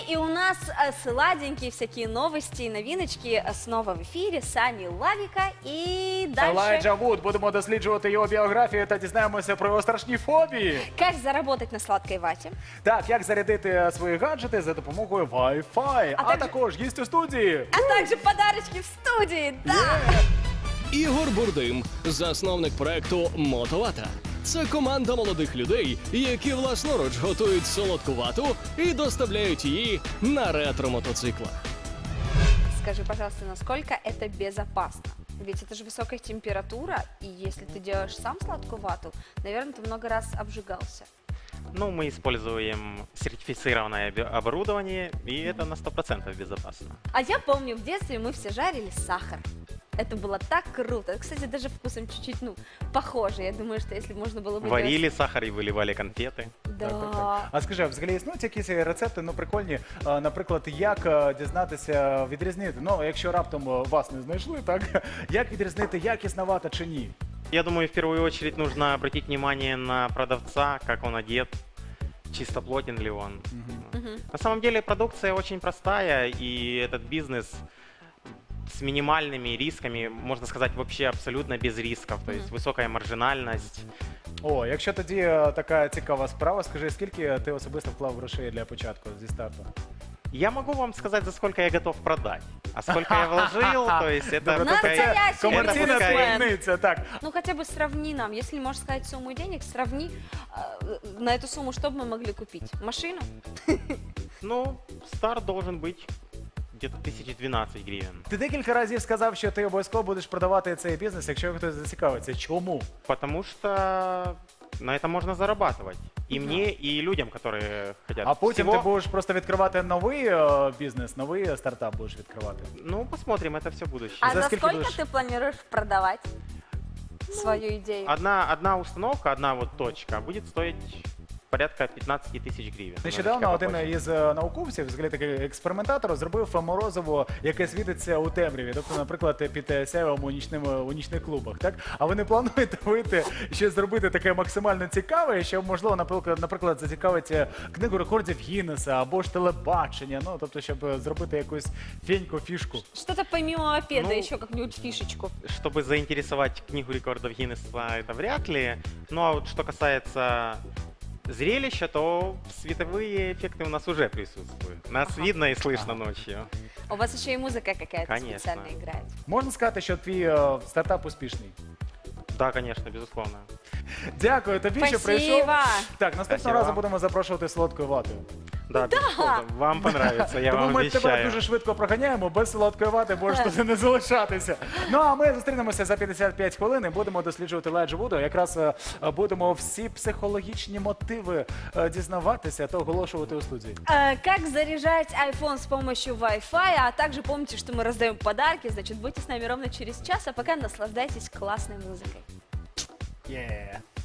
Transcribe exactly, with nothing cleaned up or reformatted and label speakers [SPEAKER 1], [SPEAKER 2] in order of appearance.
[SPEAKER 1] и у нас э, сладенькие всякие новости и новиночки э, снова в эфире. Сани Лавика и дальше...
[SPEAKER 2] Елайджа Вуд. Будемо досліджувати його біографію та дізнаємося про його страшні фобії.
[SPEAKER 1] Как заработать на сладкой вате.
[SPEAKER 2] Так, як зарядити свої гаджети за допомогою Wi-Fi. А,
[SPEAKER 1] також-
[SPEAKER 2] також гість у студії.
[SPEAKER 1] А также подарочки в студии. Да!
[SPEAKER 3] Ігор Бурдим, засновник проекту Мотовата. Це команда молодих людей, які власноруч готують солодку вату і доставляють її на ретро-мотоциклах.
[SPEAKER 1] Скажи, пожалуйста, насколько это безопасно? Ведь это же высокая температура, и если ты делаешь сам сладкую вату, наверное, ты много раз обжигался.
[SPEAKER 4] Ну, мы используем сертифицированное оби- оборудование, и это на сто процентов безопасно.
[SPEAKER 1] А я помню, в детстве мы все жарили сахар. Это было так круто. Кстати, даже вкусом чуть-чуть, ну, похоже. Я думаю, что если можно было бы...
[SPEAKER 4] Варили сахар и выливали конфеты.
[SPEAKER 1] делать-
[SPEAKER 2] Так, так,
[SPEAKER 1] Да.
[SPEAKER 2] так. А скажи, а взагалі існують якісь рецепти, ну прикольні, а, наприклад, як е, дізнатися, відрізнити, ну якщо раптом е, вас не знайшли, так, як відрізнити, якісна вата чи ні?
[SPEAKER 4] Я думаю, в первую очередь нужно обратить внимание на продавца, как он одет, чистоплотен ли он.
[SPEAKER 1] Мгм.
[SPEAKER 4] На самом деле продукция очень простая, и этот бизнес с минимальными рисками, можно сказать, вообще абсолютно без рисков. То есть высокая маржинальность.
[SPEAKER 2] О, якщо тоді е, така цікава справа, скажи, скільки ти особисто вклав грошей для початку зі старту?
[SPEAKER 4] Я могу вам сказать, за сколько я готов продать. А сколько я вложил, то есть это
[SPEAKER 2] Добре,
[SPEAKER 4] такая-
[SPEAKER 1] Настоящий
[SPEAKER 2] комерційна
[SPEAKER 4] это такая-
[SPEAKER 2] таємниця, так.
[SPEAKER 1] Ну, хотя бы сравни нам. Если можешь сказать сумму денег, сравни э, на эту сумму, что бы мы могли купить. Машину?
[SPEAKER 4] Ну, старт должен быть где-то тысяч двенадцать гривен.
[SPEAKER 2] Ти декілька разів сказав, що ти обов'язково будеш продавати цей бізнес, якщо хтось зацікавиться. Чому?
[SPEAKER 4] Потому что на этом можно зарабатывать. И мне, и людям, которые хотят.
[SPEAKER 2] А потім
[SPEAKER 4] Всего-
[SPEAKER 2] ти будеш просто відкривати новий е, бізнес, новий стартап будеш відкривати.
[SPEAKER 4] Ну, посмотрим, это все будущее.
[SPEAKER 1] А
[SPEAKER 2] За
[SPEAKER 1] за
[SPEAKER 2] сколько
[SPEAKER 1] сколько
[SPEAKER 2] будешь?
[SPEAKER 1] ты планируешь продавать свою идею?
[SPEAKER 4] Одна, одна установка, одна вот точка будет стоить порядка пятнадцать тысяч гривен.
[SPEAKER 2] Нещодавно
[SPEAKER 4] Немножечко
[SPEAKER 2] один
[SPEAKER 4] попозже.
[SPEAKER 2] із е, науковців, взагалі такий експериментатор, зробив морозиво, яке світиться у темряві. Тобто, наприклад, під е, сяйвом у, нічним, у нічних клубах. Так? А ви не плануєте вийти щось зробити таке максимально цікаве, що, можливо, наприклад, наприклад, зацікавить е, книгу рекордів Гіннеса або ж телебачення, ну, тобто, щоб е, зробити якусь феньку, фішку.
[SPEAKER 1] Что-то помимо мопеда,
[SPEAKER 4] Ну,
[SPEAKER 1] еще как-нибудь фишечку.
[SPEAKER 4] Чтобы заинтересовать книгу рекордов Гиннесса, это вряд ли. Ну а вот что касается зрелища, то световые эффекты у нас уже присутствуют. Нас
[SPEAKER 1] Ага.
[SPEAKER 4] видно и слышно ночью.
[SPEAKER 1] У вас еще и музыка какая-то
[SPEAKER 4] Конечно.
[SPEAKER 1] специально играет.
[SPEAKER 2] Можна сказати, що твій е, стартап успішний?
[SPEAKER 4] Да, конечно, безусловно.
[SPEAKER 2] Дякую тобі, що прийшов.
[SPEAKER 1] Спасибо.
[SPEAKER 2] Так, наступного
[SPEAKER 4] Спасибо
[SPEAKER 2] разу
[SPEAKER 4] вам.
[SPEAKER 2] будемо запрошувати солодкою ватою.
[SPEAKER 4] Да, безусловно. Вам понравится, я
[SPEAKER 2] Тому
[SPEAKER 4] вам
[SPEAKER 2] ми тебе
[SPEAKER 4] обещаю.
[SPEAKER 2] дуже швидко проганяємо, без солодкої вати можеш туди не залишатися. Ну а ми зустрінемося за п'ятдесят п'ять хвилин і будемо досліджувати Елайджу Вуда. Якраз е, будемо всі психологічні мотиви е, дізнаватися та оголошувати у студії.
[SPEAKER 1] Э, Как заряжать iPhone с помощью Wi-Fi, а также помните, что мы раздаем подарки, значит, будьте с нами ровно через час, а пока наслаждайтесь классной музыкой.
[SPEAKER 2] Yeah.